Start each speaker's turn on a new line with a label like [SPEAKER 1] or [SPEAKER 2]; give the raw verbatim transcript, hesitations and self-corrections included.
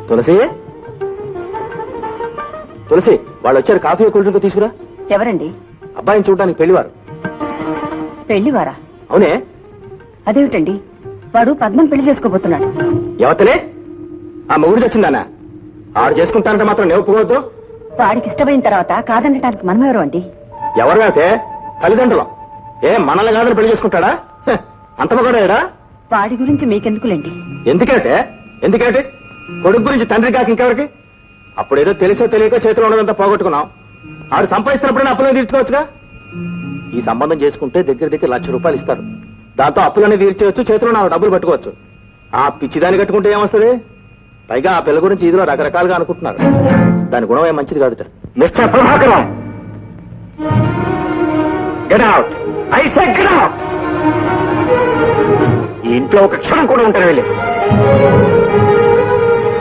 [SPEAKER 1] తులసి తులసి వాళ్ళు వచ్చారు, coffee cool drink తీసుకురా.
[SPEAKER 2] ఎవరండి?
[SPEAKER 1] అబ్బాయిని చూడడానికి పెళ్లివారు.
[SPEAKER 2] పెళ్లివారా?
[SPEAKER 1] అవునే.
[SPEAKER 2] అదేమిటండి, వాడు పద్మం పెళ్లి చేసుకోబోతున్నాడు.
[SPEAKER 1] ఎవతలే? ఆ మొగుడు వచ్చిందానా? ఆడు చేసుకుంటానంటే మాత్రం నేను ఒప్పుకోవద్దు.
[SPEAKER 2] వాడికి ఇష్టమైన తర్వాత కాదనటానికి మనమెవరు అండి?
[SPEAKER 1] ఎవరు అయితే తల్లిదండ్రులు. ఏ మనల్ని కాదని పెళ్లి చేసుకుంటాడా? హ, అంత మగడా?
[SPEAKER 2] వాడి గురించి మీకెందుకులేండి.
[SPEAKER 1] ఎందుకంటే ఎందుకంటే కొడుకు గురించి తండ్రి కాక ఇంకెవరికి? అప్పుడేదో తెలిసో తెలియక చేతిలో ఉన్నదంతా పోగొట్టుకున్నాం. ఆడు సంపాదిస్తున్నప్పుడైనా అప్పులను తీర్చుకోవచ్చుగా. ఈ సంబంధం చేసుకుంటే దగ్గర దగ్గర లక్ష రూపాయలు ఇస్తారు. దాంతో అప్పులన్నీ తీర్చేయచ్చు, చేతిలో నాలుగు డబ్బులు పట్టుకోవచ్చు. ఆ పిచ్చిదాన్ని కట్టుకుంటే ఏమొస్తుంది? పైగా ఆ పిల్ల గురించి ఇదిలో రకరకాలుగా అనుకుంటున్నారు. దాని గుణం ఏం మంచిది కాదు. Mister Prabhakaram, get out. I said get out. ఈ ఇంట్లో ఒక క్షణం కూడా ఉంటారు వెళ్ళి.